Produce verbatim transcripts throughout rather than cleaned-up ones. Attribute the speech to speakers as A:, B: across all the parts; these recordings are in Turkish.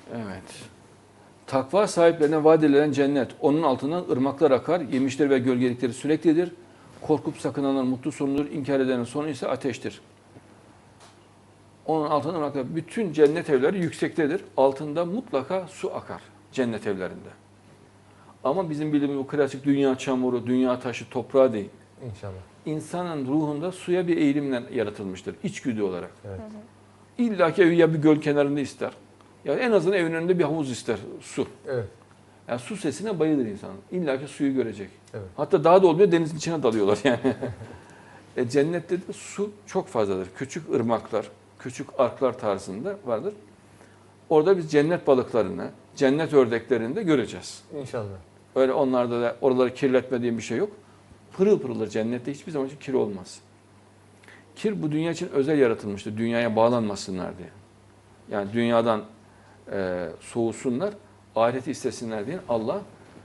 A: Evet. Takva sahiplerine vaat edilen cennet. Onun altından ırmaklar akar. Yemişleri ve gölgelikleri süreklidir. Korkup sakınanlar mutlu sonudur. İnkar edenin sonu ise ateştir. Onun altından ırmaklar. Bütün cennet evleri yüksektedir. Altında mutlaka su akar. Cennet evlerinde. Ama bizim bildiğimiz bu klasik dünya çamuru, dünya taşı, toprağı değil.
B: İnşallah.
A: İnsanın ruhunda suya bir eğilimle yaratılmıştır. İçgüdü olarak.
B: Evet.
A: İlla ki evi ya bir göl kenarında ister. Ya en azından evin önünde bir havuz ister, su.
B: Evet.
A: Yani su sesine bayılır insan. İlla ki suyu görecek.
B: Evet.
A: Hatta daha da olmuyor, denizin içine dalıyorlar yani. e, cennette de su çok fazladır. Küçük ırmaklar, küçük arklar tarzında vardır. Orada biz cennet balıklarını, cennet ördeklerini de göreceğiz.
B: İnşallah.
A: Öyle onlarda da oraları kirletmediğim bir şey yok. Pırıl pırıldır cennette, hiçbir zaman için kir olmaz. Kir bu dünya için özel yaratılmıştır. Dünyaya bağlanmasınlar diye. Yani dünyadan e, soğusunlar, ahireti istesinler diye Allah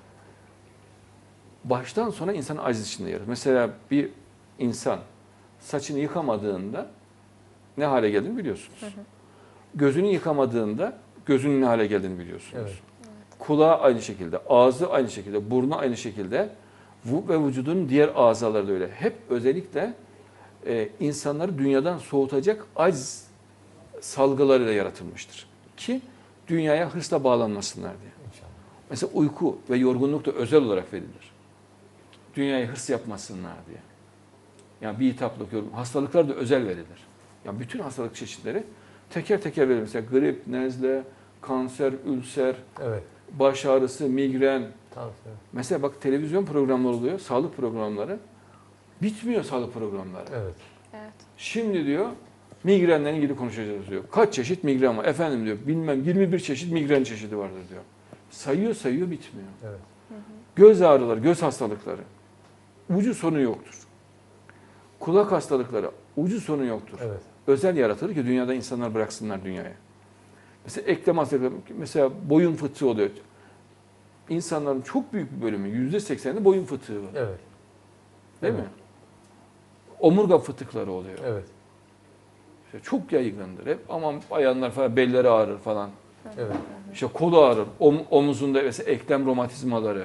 A: baştan sona insanı aciz içinde yaratır. Mesela bir insan saçını yıkamadığında ne hale geldiğini biliyorsunuz. Hı hı. Gözünü yıkamadığında gözünün ne hale geldiğini biliyorsunuz. Evet. Kulağı aynı şekilde, ağzı aynı şekilde, burnu aynı şekilde ve vücudun diğer azaları da öyle. Hep özellikle e, insanları dünyadan soğutacak aciz salgılarıyla yaratılmıştır. Ki dünyaya hırsla bağlanmasınlar diye. İnşallah. Mesela uyku ve yorgunluk da özel olarak verilir. Dünyaya hırs yapmasınlar diye. Yani bir hitaplık, yorgunluk, hastalıklar da özel verilir. Yani bütün hastalık çeşitleri teker teker verilir. Mesela grip, nezle, kanser, ülser, evet. Baş ağrısı, migren. Tansiyon. Mesela bak televizyon programları oluyor, sağlık programları. Bitmiyor sağlık programları.
B: Evet.
C: Evet.
A: Şimdi diyor migrenle ilgili konuşacağız diyor. Kaç çeşit migren var? Efendim diyor bilmem yirmi bir çeşit migren çeşidi vardır diyor. Sayıyor sayıyor bitmiyor.
B: Evet.
C: Hı hı.
A: Göz ağrıları, göz hastalıkları. Ucu sonu yoktur. Kulak hastalıkları ucu sonu yoktur.
B: Evet.
A: Özel yaratılır ki dünyada insanlar bıraksınlar dünyaya. Mesela eklem hastalıkları, mesela boyun fıtığı oluyor. İnsanların çok büyük bir bölümü, yüzde sekseni boyun fıtığı var.
B: Evet.
A: Değil
B: evet.
A: mi? Omurga fıtıkları oluyor.
B: Evet.
A: İşte çok yaygındır hep. Aman bayanlar falan belleri ağrır falan.
B: Evet.
A: İşte kolu ağrır, om, omuzunda mesela eklem romatizmaları.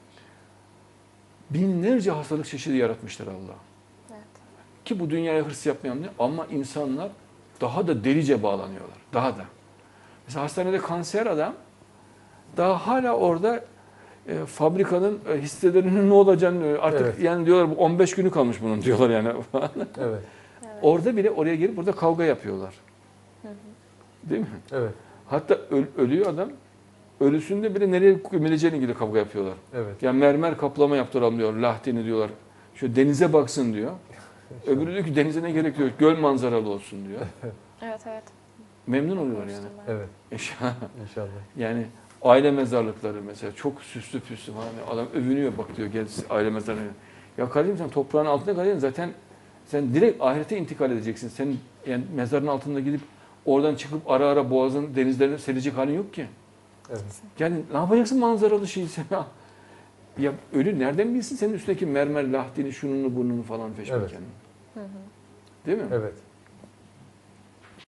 A: Binlerce hastalık çeşidi yaratmıştır Allah.
C: Evet.
A: Ki bu dünyaya hırs yapmayan ne? Ama insanlar daha da delice bağlanıyorlar. Daha da. Mesela hastanede kanser adam daha hala orada e, fabrikanın e, hisselerinin ne olacağını artık
B: evet.
A: yani diyorlar bu on beş günü kalmış bunun diyorlar yani.
B: evet.
C: Evet.
A: Orada bile oraya gelip burada kavga yapıyorlar.
C: Hı hı.
A: Değil mi?
B: Evet.
A: Hatta öl, ölüyor adam. Ölüsünde bile nereye gömüleceğine ilgili kavga yapıyorlar.
B: Evet.
A: Yani mermer kaplama yaptıralım diyor. Lahdini diyorlar. Şu denize baksın diyor. Öbürü diyor ki denize ne gerek yok. Göl manzaralı olsun diyor.
C: Evet evet.
A: Memnun oluyorlar yani.
B: Evet.
A: İnşallah.
B: İnşallah.
A: Yani aile mezarlıkları mesela çok süslü püslü falan. Adam övünüyor bak diyor gel aile mezarlığı. Ya kardeşim sen toprağın altında kalacaksın zaten sen direkt ahirete intikal edeceksin. Senin yani mezarın altında gidip oradan çıkıp ara ara boğazın denizlerine serecek halin yok ki.
B: Evet.
A: Yani ne yapacaksın manzaralı şeyi sen? Ya ölü nereden bilsin senin üstündeki mermer lahdini, şununu, burnunu falan feşmeken.
B: Evet.
C: Hı hı.
A: Değil mi?
B: Evet.